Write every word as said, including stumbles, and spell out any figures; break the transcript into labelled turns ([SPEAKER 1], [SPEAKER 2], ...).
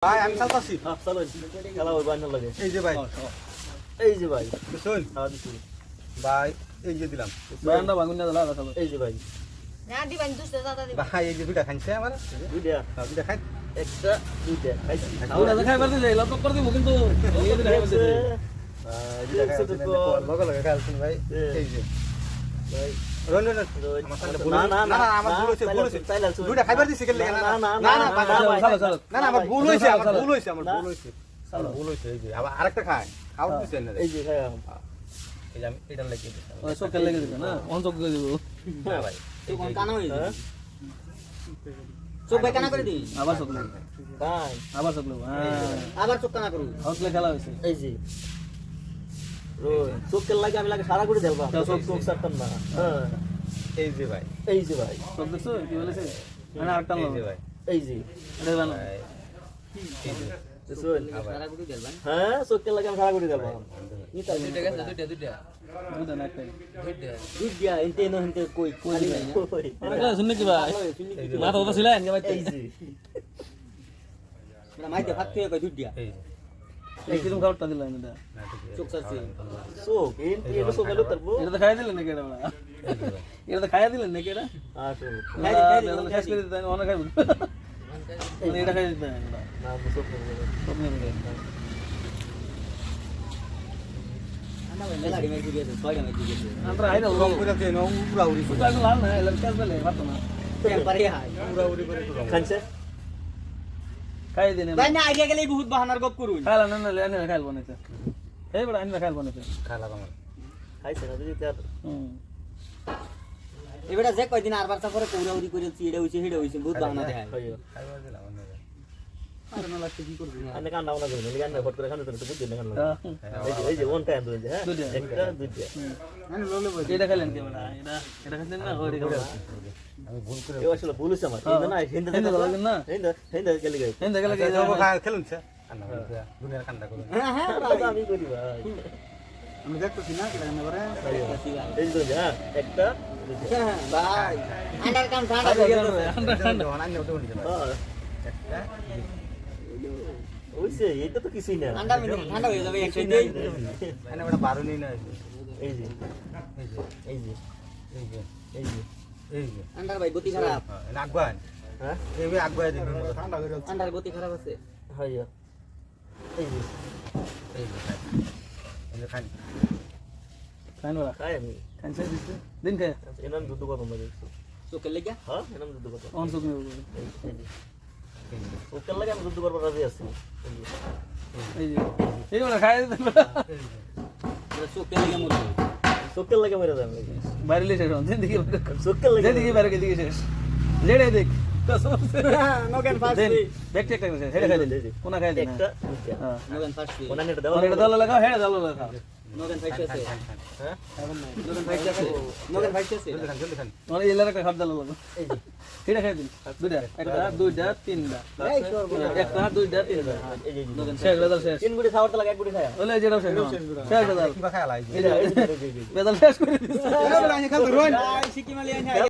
[SPEAKER 1] ভাই আমি চালতাছি
[SPEAKER 2] হ্যাঁ চলো খেলা ওই বান্না লাগে
[SPEAKER 1] এই যে ভাই
[SPEAKER 2] এই যে ভাই
[SPEAKER 1] শুন
[SPEAKER 2] হ্যাঁ দিছি
[SPEAKER 1] ভাই এই যে দিলাম
[SPEAKER 3] বারান্দা ভাঙুন না দাদা চলো
[SPEAKER 2] এই যে ভাই
[SPEAKER 4] না দিবেন দুসতে দাদা দিবেন
[SPEAKER 1] ভাই এই যে দুইটা খাইছে আমার
[SPEAKER 2] দুইটা
[SPEAKER 1] হ্যাঁ, দুইটা খাই
[SPEAKER 2] একটা দুইটা খাইছি
[SPEAKER 3] ওটা তো খাইবার দিলে লক করে দিব কিন্তু এই যে খাইবার দিলে
[SPEAKER 2] আহ,
[SPEAKER 1] দুইটা
[SPEAKER 2] দেখছো তো
[SPEAKER 1] খাইছে
[SPEAKER 2] তো?
[SPEAKER 1] লগে লগে খাইছেন ভাই
[SPEAKER 2] এ।
[SPEAKER 1] এই যে
[SPEAKER 2] ভাই,
[SPEAKER 1] রন রন
[SPEAKER 2] রোজ-
[SPEAKER 1] আমার সামনে ভুল
[SPEAKER 2] না,
[SPEAKER 1] হয়েছে।
[SPEAKER 2] না,
[SPEAKER 1] না
[SPEAKER 2] না,
[SPEAKER 1] না আমার
[SPEAKER 2] না,
[SPEAKER 1] ভুল হয়েছে ভুল হয়েছে
[SPEAKER 2] চাইলে আছে।
[SPEAKER 1] দুইটা খাইবার দিছি কেন লাগে
[SPEAKER 2] না,
[SPEAKER 1] না
[SPEAKER 2] না,
[SPEAKER 1] না
[SPEAKER 2] না,
[SPEAKER 1] না
[SPEAKER 2] না,
[SPEAKER 1] ভাই,
[SPEAKER 2] না,
[SPEAKER 1] ভাই,
[SPEAKER 3] চলো চলো
[SPEAKER 1] না না আমার ভুল হয়েছে আমার ভুল হয়েছে আমার
[SPEAKER 2] না।
[SPEAKER 1] ভুল হয়েছে আমার ভুল হয়েছে এই যে আবার আরেকটা খায় খাওয়া দিছে না
[SPEAKER 2] এই যে খাইয়া
[SPEAKER 1] এই যে আমি এটা লাগিয়ে দিছি
[SPEAKER 3] ওই চোখে লেগে দিবে না অন চোখ করে দিব
[SPEAKER 1] না ভাই
[SPEAKER 4] তো কোন কানা হই
[SPEAKER 2] হ্যাঁ?
[SPEAKER 4] চোখ ভাই কানা করে দি
[SPEAKER 3] আবার চোখ লাগবে
[SPEAKER 2] ভাই,
[SPEAKER 3] আবার চোখ লাগবে হ্যাঁ
[SPEAKER 4] আবার চোখ কানা করু
[SPEAKER 3] হাউসলে খেলা হয়েছে
[SPEAKER 2] এই যে রোজ, চোখের লাগে আমি লাগে সারা করে দেবো
[SPEAKER 3] চোখ-
[SPEAKER 2] চোখ চোখ সারতাম না হ্যাঁ
[SPEAKER 1] এই যে ভাই
[SPEAKER 2] এই যে ভাই
[SPEAKER 3] চোখ দেখছো কি বলেছে মানে আরেকটা
[SPEAKER 1] এই
[SPEAKER 3] লোক
[SPEAKER 1] যে ভাই
[SPEAKER 2] এই যে
[SPEAKER 3] এটা বানো
[SPEAKER 1] ভাই, এই যে
[SPEAKER 2] শুন,
[SPEAKER 4] সারা গুটি দেলবান
[SPEAKER 2] হ্যাঁ চোখের লাগে আমি সারা করে দেবো নিতাম
[SPEAKER 3] দুইটা না একটা
[SPEAKER 2] দুধ দিয়া এনতে এনো হেনতে কই কই কই
[SPEAKER 3] আরেকটা শুননি কি ভাই মাথা কথা ছিলেন কে ভাই
[SPEAKER 2] এই যে
[SPEAKER 4] না মাইতে ভাত খেয়ে কই দুধ দিয়া
[SPEAKER 1] এই যে
[SPEAKER 3] এই কিরম খাবারটা দিলেন এটা
[SPEAKER 1] না ঠিক আছে
[SPEAKER 4] চোখ সারছি
[SPEAKER 2] চোখ এনতে এনো চোখ এলো তারপর
[SPEAKER 3] এটা তো খাইয়া দিলেন নাকি এটা বড়া
[SPEAKER 1] এই যে ভাই
[SPEAKER 3] এটা তো খাইয়া দিলেন নাকি এটা
[SPEAKER 2] আসলে
[SPEAKER 4] খাই দি, খাই দি,
[SPEAKER 3] এটা তো শেষ করে দিতেন অনেক খাইব মানে এটা খাই দিতেন এটা
[SPEAKER 2] না চোখ নেই
[SPEAKER 3] সব নিয়ে নিয়ে
[SPEAKER 4] আনা ভাই মেলা ডিমাই দিয়েছে ছয়টা মাই দিয়েছে
[SPEAKER 3] আমরা আইরা
[SPEAKER 1] রং করে দেন উড়া উড়ি করে
[SPEAKER 3] তো লাল না এলা কাজ বলে পারতো না
[SPEAKER 4] টেম্পারি হাই
[SPEAKER 1] উড়া উড়ি করে একটু রং
[SPEAKER 2] খানছে
[SPEAKER 3] খাই দিন
[SPEAKER 4] ভাই না আইডিয়া গেলে বহুত বাহানার গপ করুন
[SPEAKER 3] খাইলা না না লেনে খাইল বনেছে এই বড় আইনা খাইল বনেছে
[SPEAKER 1] খালা আমার
[SPEAKER 2] খাইছে না যদি তার
[SPEAKER 3] হুম
[SPEAKER 4] এবারে যে কয়দিন আরবার সাফরে কৌরা উড়ি করে চিড়ে হইছে হেড়ে হইছে বহুত বাহানা দেখায়
[SPEAKER 2] হইও
[SPEAKER 1] খাইবার দিলাম না
[SPEAKER 4] আর না লাগতে কি করবি
[SPEAKER 2] আনে কান্না না করি গান ফট করে খানে তো বুঝতে না কান্না
[SPEAKER 3] হ্যাঁ।
[SPEAKER 2] এই যে এই যে ওন টাইম দুই হ্যাঁ
[SPEAKER 3] দুইটা।
[SPEAKER 2] একটা দুইটা
[SPEAKER 4] আমি ললে বই
[SPEAKER 3] এটা খাইলেন কে বড় এটা এটা খাইলেন না ওই খাইলেন
[SPEAKER 1] আমি ভুল করে
[SPEAKER 2] এই আসলে ভুল হইছে আমার এই না হিন্দে
[SPEAKER 3] হিন্দে লাগেন না
[SPEAKER 2] হিন্দে হিন্দে গেলি গাই
[SPEAKER 3] হিন্দে গেলে কি
[SPEAKER 1] যাবো খায় খেলুন স্যার কান্না করে দুনিয়ার কান্না করুন
[SPEAKER 4] হ্যাঁ হ্যাঁ
[SPEAKER 2] দাদা আমি করি ভাই
[SPEAKER 4] আমি দেখতেছি না কেন করে
[SPEAKER 2] এই যে দুইটা, হ্যাঁ একটা দুইটা
[SPEAKER 4] হ্যাঁ ভাই আন্ডার কাম ঠান্ডা হয়ে গেল
[SPEAKER 1] অনান্য তো বলি
[SPEAKER 2] হ্যাঁ ওইছে এটা তো কিছুই না
[SPEAKER 4] ঠান্ডা মিনিট ঠান্ডা হয়ে যাবে একসাথে দেই
[SPEAKER 1] এনে বড় বারো নেই না
[SPEAKER 2] এই যে
[SPEAKER 1] এই যে
[SPEAKER 2] এই যে
[SPEAKER 1] এই যে
[SPEAKER 2] এই যে
[SPEAKER 1] এই যে
[SPEAKER 4] আন্ডার ভাই গতি খারাপ
[SPEAKER 1] আগবান
[SPEAKER 2] হ্যাঁ
[SPEAKER 1] এই আগবাই দিন ঠান্ডা করে
[SPEAKER 4] আন্ডার গতি খারাপ আছে
[SPEAKER 2] হইও এই যে
[SPEAKER 1] এই যে এই খান
[SPEAKER 3] খাইন বড়
[SPEAKER 2] খাই আমি
[SPEAKER 3] খাইন সে দিছে দিন খায়
[SPEAKER 2] এনাম দুধ কথা মজা
[SPEAKER 4] চোখে লেগে
[SPEAKER 2] হ্যাঁ এনাম দুধ কথা
[SPEAKER 3] অন চোখ নিয়ে
[SPEAKER 2] এই এই যে ওকে লাগে আমি দুধ করবার রাজি আছি এই যে
[SPEAKER 3] এই যে এই বড় খাই দিতেন
[SPEAKER 4] চোখে লেগে মরবে
[SPEAKER 2] চোখের লাগে মেরে যাবে
[SPEAKER 3] বাইরে লেছে শুন দেখি
[SPEAKER 2] চোখের লাগে
[SPEAKER 3] দেখি বাইরে দিকে শেষ জেড়ে দেখ কসম সে
[SPEAKER 4] Nagen first
[SPEAKER 3] then back check করে হেডে খাই দিন কোনা খাই দিন
[SPEAKER 2] একটা দুইটা
[SPEAKER 3] হ্যাঁ
[SPEAKER 4] নগেন ফার্স্ট
[SPEAKER 2] ওনা নেটা দাও
[SPEAKER 3] ওনে দল লাগাও হেডে দল লাগাও
[SPEAKER 4] নগেন ফাইট আছে
[SPEAKER 2] হ্যাঁ
[SPEAKER 4] নগেন ফাইট আছে নগেন ফাইট আছে
[SPEAKER 1] জলদি খান জলদি খান
[SPEAKER 3] ওনে ইলার একটা খাপ দল লাগাও
[SPEAKER 2] এই যে
[SPEAKER 3] হেডে খাই দিন দুইটা একটা দুইটা তিনটা
[SPEAKER 4] এই সর্ব
[SPEAKER 3] একটা দুইটা তিনটা
[SPEAKER 2] এই যে
[SPEAKER 3] শেষ বেদল শেষ
[SPEAKER 2] তিন গুড়ি খাওয়ার তো লাগে এক গুড়ি খায়া
[SPEAKER 3] ওলে যেটা শেষ শেষ বেদল
[SPEAKER 1] কিবা খায় লাই
[SPEAKER 3] বেদল শেষ করে দিছে
[SPEAKER 4] সিকিমালি আইনা